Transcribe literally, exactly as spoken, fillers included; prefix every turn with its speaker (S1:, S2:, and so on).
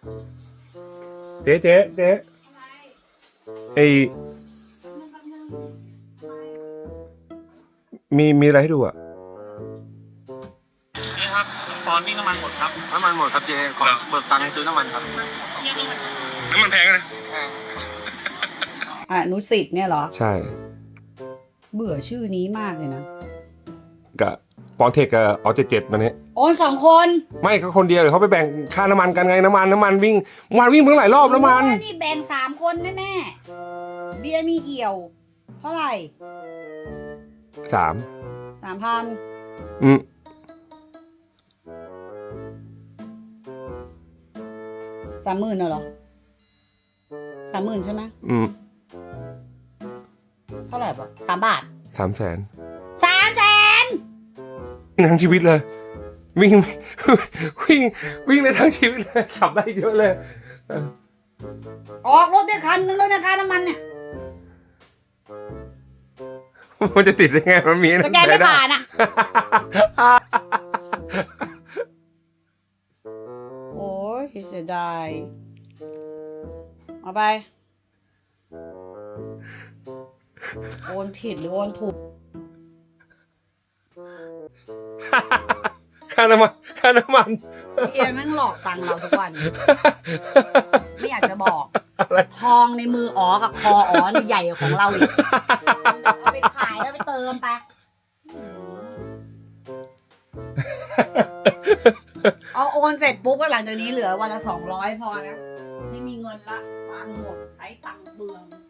S1: เจ๊เจ๊เจ๊ไอมีมีอะไรให้ดูอ่ะ
S2: นี่ครับตอนนี้น้ำมันหมดครับน้ำมันหมดครับเจ๊ขอเบิกตังค์ซื้อน้ำมันครับน้ำมันแพงนะ
S3: อนุสิทธิ์เนี่ยเหรอ
S1: ใช่
S3: เบื่อชื่อนี้มากเลยนะ
S1: กับปอนเทคกับออเจเจ็ดมาเนี่ย
S3: โอนสองคน
S1: ไม่เขาคนเดียวเดี๋ยวเขาไปแบ่งค่าน้ำมันกันไงน้ำมันน้ำมันวิ่งวันวิ่งเพิ่งหลายรอบน้ำมัน
S3: นี่แบ่งสามคนแน่ๆเบียร์มีเอี่ยว เท่าไหร่
S1: สาม
S3: สามพัน
S1: อืม
S3: สามหมื่นเหรอสามหมื่นใช่ไหม
S1: อืม
S3: เท่าไหร่ปะสามบาท
S1: สามแสน
S3: สามแสน
S1: ทั้งชีวิตเลย วิ่งวิ่งวิ่งในทั้งชีวิตเลยขับได้เยอะเลย
S3: ออกรถได้คันนึงแล้วนะค่าน้ำมันเนี่ย
S1: มันจะติดได้ไงมันมี
S3: สแกนไม่ผ่านอ่ะ โอ้ยเสียดายเอาไป โอนผิดหรือโอนถูก
S1: ค่าน้ำมันค่าน้ำมัน
S3: เอียแม่งหลอกตังค์เราทุกวัน ไม่อยากจะบอก ทองในมืออ๋อกับคออ๋อนี่ใหญ่กว่าของเราอีกเอาไปขายแล้วไปเติมไป เอาโอนเสร็จปุ๊บก็หลังจากนี้เหลือวันละสองร้อยพอนะ ไม่มีเงินละตังค์หมดใช้ตังค์เบือง